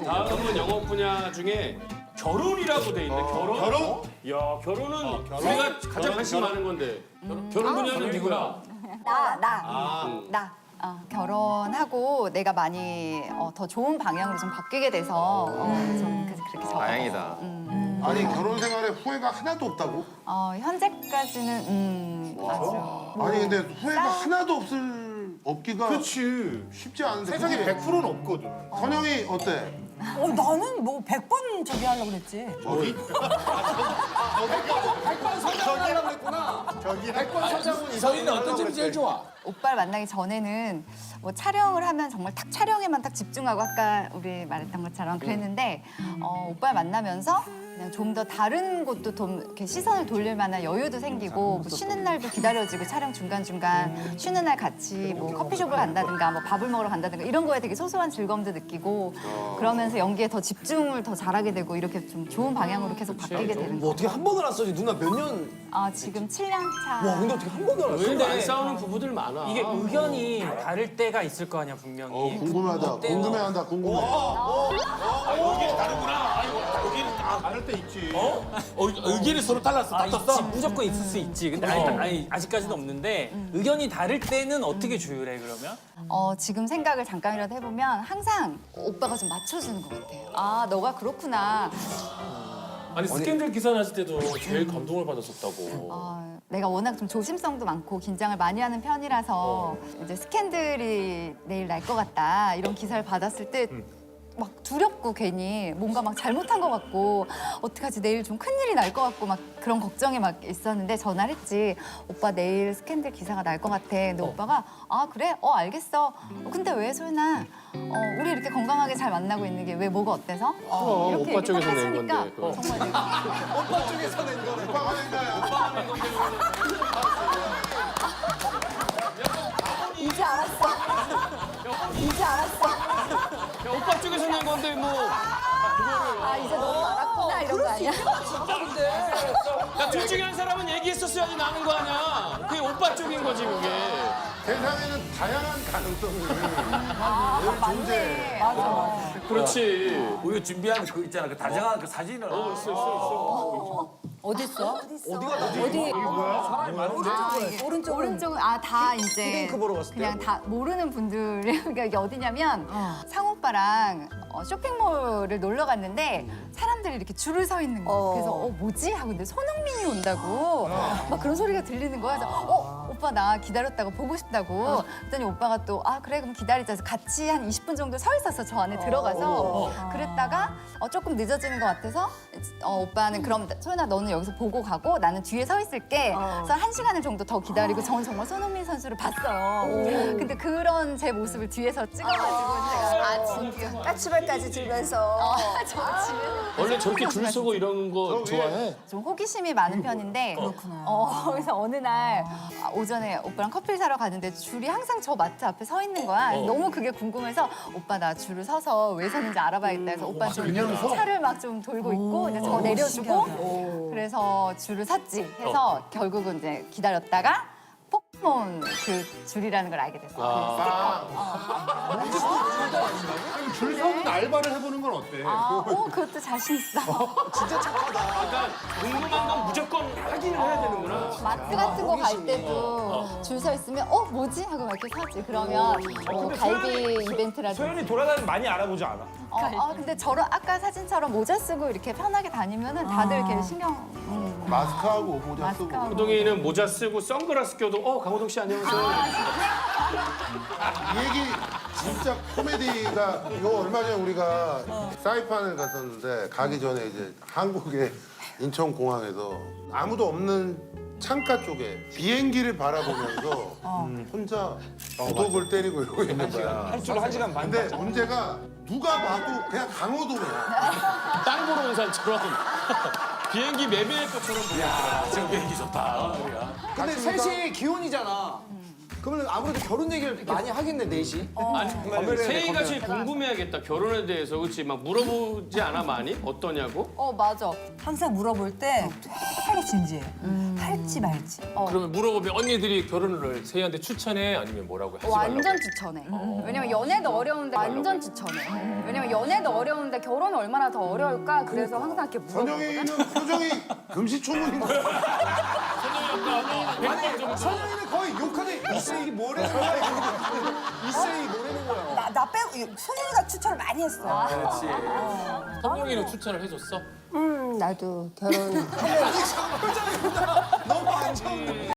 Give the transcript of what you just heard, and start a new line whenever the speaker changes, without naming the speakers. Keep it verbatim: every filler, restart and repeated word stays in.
다음은 영업 분야 중에 결혼이라고 돼 있네. 결혼?
결혼?
야, 결혼은 우리가 가장 관심 많은 건데. 결혼 분야는 누구야?
나, 나, 나. 어, 결혼하고 내가 많이 어, 더 좋은 방향으로 좀 바뀌게 돼서 어, 좀 그- 그렇게 적어.
다행이다.
아니 결혼 생활에 후회가 하나도 없다고?
어, 현재까지는 음, 아주
아니 근데 후회가 하나도 없을 없기가
그렇지.
쉽지 않은데
세상에
그게
백 퍼센트는 없거든.
선영이 어때?
어, 나는 뭐 백 번 저기 하려고 그랬지.
저기?
서희는 어떤 점이 제일 좋아?
오빠를 만나기 전에는 뭐 촬영을 하면 정말 딱 촬영에만 딱 집중하고 아까 우리 말했던 것처럼 그랬는데 어, 오빠를 만나면서 그냥 좀 더 다른 곳도 좀 이렇게 시선을 돌릴 만한 여유도 생기고 뭐 쉬는 날도 기다려지고 촬영 중간중간 쉬는 날 같이 뭐 커피숍을 간다든가 뭐 밥을 먹으러 간다든가 이런 거에 되게 소소한 즐거움도 느끼고 그러면서 연기에 더 집중을 더 잘하게 되고 이렇게 좀 좋은 방향으로 계속 바뀌게 되는
뭐
거.
어떻게 한 번을 안 써지? 누나 몇 년?
아 지금 칠 년 차.
와 근데 어떻게 한 번을 안 써?
근데 안 싸우는 부부들 많아.
이게 의견이 다를 때가 있을 거 아니야 분명히.
어 궁금하다. 궁금해한다. 궁금해.
다를 때 있지.
어, 의견이 서로 달랐어.
아, 있지,
다퉜어?
무조건 있을 수 있지. 근데 아니, 아니, 아직까지는 없는데 의견이 다를 때는 어떻게 조율해 그러면?
어, 지금 생각을 잠깐이라도 해보면 항상 오빠가 좀 맞춰주는 것 같아요. 아, 너가 그렇구나.
아니 스캔들 기사 났을 때도 제일 감동을 받았었다고.
어, 내가 워낙 좀 조심성도 많고 긴장을 많이 하는 편이라서 이제 스캔들이 내일 날 것 같다 이런 기사를 받았을 때 막 두렵고 괜히 뭔가 막 잘못한 것 같고 어떡하지 내일 좀 큰일이 날 것 같고 막 그런 걱정이 막 있었는데 전화를 했지. 오빠 내일 스캔들 기사가 날 것 같아. 근데 오빠가 아 그래? 어 알겠어. 어, 근데 왜 소연아? 어, 우리 이렇게 건강하게 잘 만나고 있는 게 왜 뭐가 어때서?
그럼,
이렇게
오빠
얘기 딱
쪽에서 낸
하시니까
건데, 그거.
정말 내가
오빠 쪽에서 낸 거네.
오빠가 낸 거야.
이제 알았어. 이제 알았어.
야, 오빠 쪽에서 낸 건데 뭐.
아 이제 너무 알았구나 이런 거 아니야?
야, 둘 중에 한 사람은 얘기했었어야지 나는 거 아니야. 그게 오빠 쪽인 거지 그게.
세상에는 다양한 가능성이
아,
존재해.
맞아, 맞아.
그렇지.
우리가 준비한 그 있잖아. 그 다정한 그 사진을.
어, 있어 있어 있어.
어딨어?
어디가 어디?
어디?
사람이 많은데.
아, 이게
오른쪽은?
오른쪽은 아 다 이제
피딩크 보러 갔을
그냥
때
다 모르는 분들 그러니까 이게 어디냐면 상우 오빠랑 어, 쇼핑몰을 놀러 갔는데 사람들이 이렇게 줄을 서 있는 거야.
어.
그래서 어 뭐지 하고 근데 손흥민이 온다고 막 그런 소리가 들리는 거야. 그래서 어 오빠 나 기다렸다고 보고 싶다고. 그랬더니 오빠가 또 아 그래 그럼 기다리자. 해서 같이 한 이십 분 정도 서 있었어 저 안에 들어가서. 그랬다가 어, 조금 늦어지는 것 같아서 어, 오빠는 그럼 소연아 너는 여기서 보고 가고 나는 뒤에 서 있을게. 그래서 한 시간을 정도 더 기다리고 저는 정말 손흥민 선수를 봤어요. 근데 그런 제 모습을 뒤에서 찍어가지고 제가 아 진짜
까치발까지 들면서.
아, 저 집에
원래 저렇게 줄 서고 이런 거 좋아해?
좀 호기심이 많은 편인데 그렇구나. 어, 그래서 어느 날 아, 오전에 오빠랑 커피를 사러 가는데 줄이 항상 저 마트 앞에 서 있는 거야.
어.
너무 그게 궁금해서 오빠 나 줄을 서서 왜 서는지 알아봐야겠다 해서 오빠 좀 차를 막 좀 돌고 있고 이제 저 내려주고 그래서 줄을 섰지 해서 결국은 이제 기다렸다가 포켓몬 그 줄이라는 걸 알게 됐어.
아.
그럼 줄 서는 알바를 해보는 건 어때?
아, 어, 그것도 자신 있어.
그러니까 궁금한 건 무조건 확인을 해야 되는구나.
마트 같은 거 갈 때도 줄 서 있으면 어 뭐지 하고 막 이렇게 사지. 그러면 뭐 갈비 이벤트라든지.
소연이 돌아다니면 많이 알아보지 않아?
어, 어, 근데 저런 아까 사진처럼 모자 쓰고 이렇게 편하게 다니면은 다들 이렇게 신경 음,
마스크하고 모자 쓰고.
마스크하고.
호동이는 모자 쓰고 선글라스 껴도 어 강호동 씨 안녕하세요.
이 얘기 진짜 코미디가 이거 얼마 전에 우리가 사이판을 갔었는데 가기 전에 이제 한국의 인천공항에서 아무도 없는 창가 쪽에 비행기를 바라보면서 혼자 구독을 때리고 이러고 있는 거야.
한 줄 한 시간 반.
근데 문제가 누가 봐도 그냥 강호동이야.
땅 보러 온 사람처럼 비행기 매매할 것처럼 보여.
지금 비행기 좋다.
근데 셋이 기혼이잖아.
그러면 아무래도 결혼 얘기를 많이 하겠네 넷이.
아니, 세희가 제일 궁금해하겠다. 결혼에 대해서 그렇지? 막 물어보지 않아 많이? 어떠냐고?
어 맞아.
항상 물어볼 때 되게 진지해. 할지 말지.
그러면 물어보면 언니들이 결혼을 세희한테 추천해 아니면 뭐라고 하지 말라고?
완전 추천해. 왜냐면 연애도 어려운데 완전 추천해. 왜냐면 연애도 어려운데 결혼이 얼마나 더 어려울까? 그래서 항상 이렇게 물어보거든.
선영이는 표정이 금시초문인 거야.
선영이는 거의 욕하는 이세이 뭐래는 거야. 이세이 뭐래는 거야.
나, 나 빼고 소윤이가 추천을 많이 했어.
그렇지. 선영이는 추천을 해줬어?
음, 나도 결혼.
표정이 너무 안 좋은데.